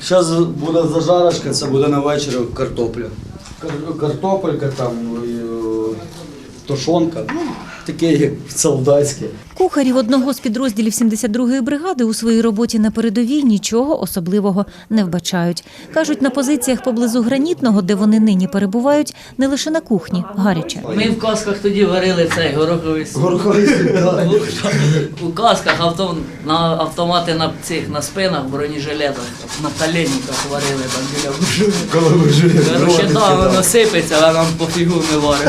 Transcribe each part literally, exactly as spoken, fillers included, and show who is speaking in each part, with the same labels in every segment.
Speaker 1: Зараз буде зажарочка, це буде на вечір картопля. Картопелька, там, тушонка, таке як солдатське.
Speaker 2: Кухарів одного з підрозділів сімдесят другої бригади у своїй роботі на передовій нічого особливого не вбачають. Кажуть, на позиціях поблизу Гранітного, де вони нині перебувають, не лише на кухні гаряче.
Speaker 3: Ми в касках тоді варили цей гороховий суп.
Speaker 1: Гороховий суп.
Speaker 3: У касках авто, на автомати на цих на спинах, бронежилетах, на коленниках варили там біля бужини. Короче, да, воно сипеться, а нам пофігу не варимо.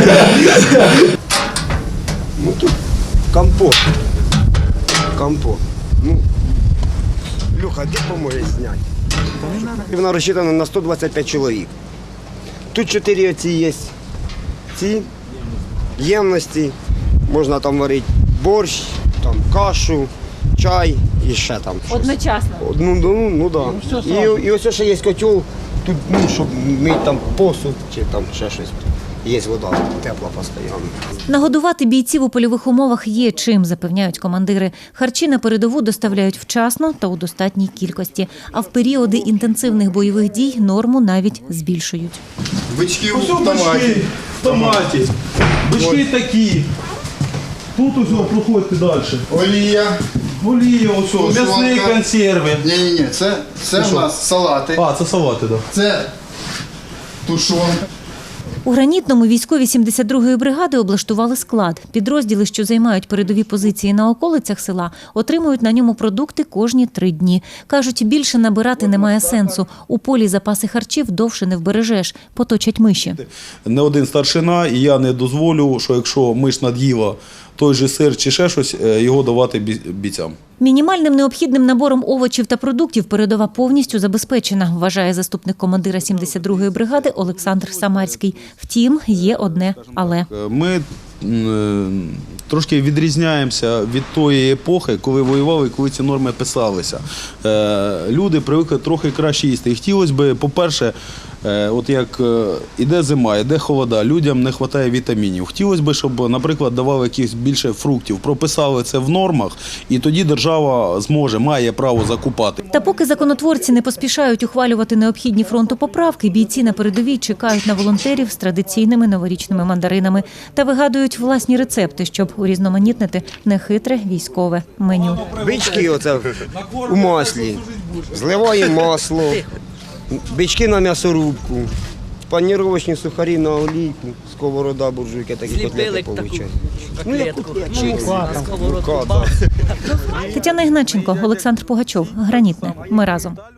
Speaker 4: Ну тут компот. Компот. Ну, Люха, де поможеш зняти? Вона розчитана на сто двадцять п'ять чоловік. Тут чотири оці є. Ці ємності. Можна там варити борщ, там кашу, чай і ще там щось.
Speaker 2: Одночасно?
Speaker 4: Ну, ну, ну да. І, і ось ще є котел, тут, ну, щоб мити там посуд чи там ще щось. Є вода тепла постійно.
Speaker 2: Нагодувати бійців у польових умовах є чим, запевняють командири. Харчі на передову доставляють вчасно та у достатній кількості. А в періоди інтенсивних бойових дій норму навіть збільшують.
Speaker 5: Бички
Speaker 6: Ось
Speaker 5: в томаті.
Speaker 6: бички в томаті. Бички такі. Тут ось проходьте далі.
Speaker 5: Олія.
Speaker 6: Олія, ось,
Speaker 5: Тушонка.
Speaker 6: м'ясні консерви.
Speaker 5: Ні-ні-ні, це, це в нас салати.
Speaker 6: А, це салати, так. Да.
Speaker 5: Це тушонка.
Speaker 2: У Гранітному військові сімдесят другої бригади облаштували склад. Підрозділи, що займають передові позиції на околицях села, отримують на ньому продукти кожні три дні. Кажуть, більше набирати немає сенсу. У полі запаси харчів довше не вбережеш, поточать миші.
Speaker 7: Не один старшина, і я не дозволю, що якщо миш над'їла той же сир чи ще щось, його давати бійцям.
Speaker 2: Мінімальним необхідним набором овочів та продуктів передова повністю забезпечена, вважає заступник командира сімдесят другої бригади Олександр Самарський. Втім, є одне «але».
Speaker 7: Ми трошки відрізняємося від тої епохи, коли воювали і коли ці норми писалися. Люди привикли трохи краще їсти. І хотілося б, по-перше, от як іде зима, іде холода, людям не вистачає вітамінів. Хотілося б, щоб, наприклад, давали якихось більше фруктів, прописали це в нормах, і тоді держава зможе, має право закупати.
Speaker 2: Та поки законотворці не поспішають ухвалювати необхідні фронту поправки, бійці на передовій чекають на волонтерів з традиційними новорічними мандаринами та вигадують власні рецепти, щоб урізноманітнити нехитре військове меню.
Speaker 4: Бички оце у маслі, зливаємо масло, бички на м'ясорубку, паніровочні сухарі на олійку, сковорода, буржуйки, такі котлети виходять.
Speaker 3: Ну, як котлетку, на сковородку.
Speaker 2: Тетяна Ігнатченко, Олександр Пугачов. Гранітне. Ми разом.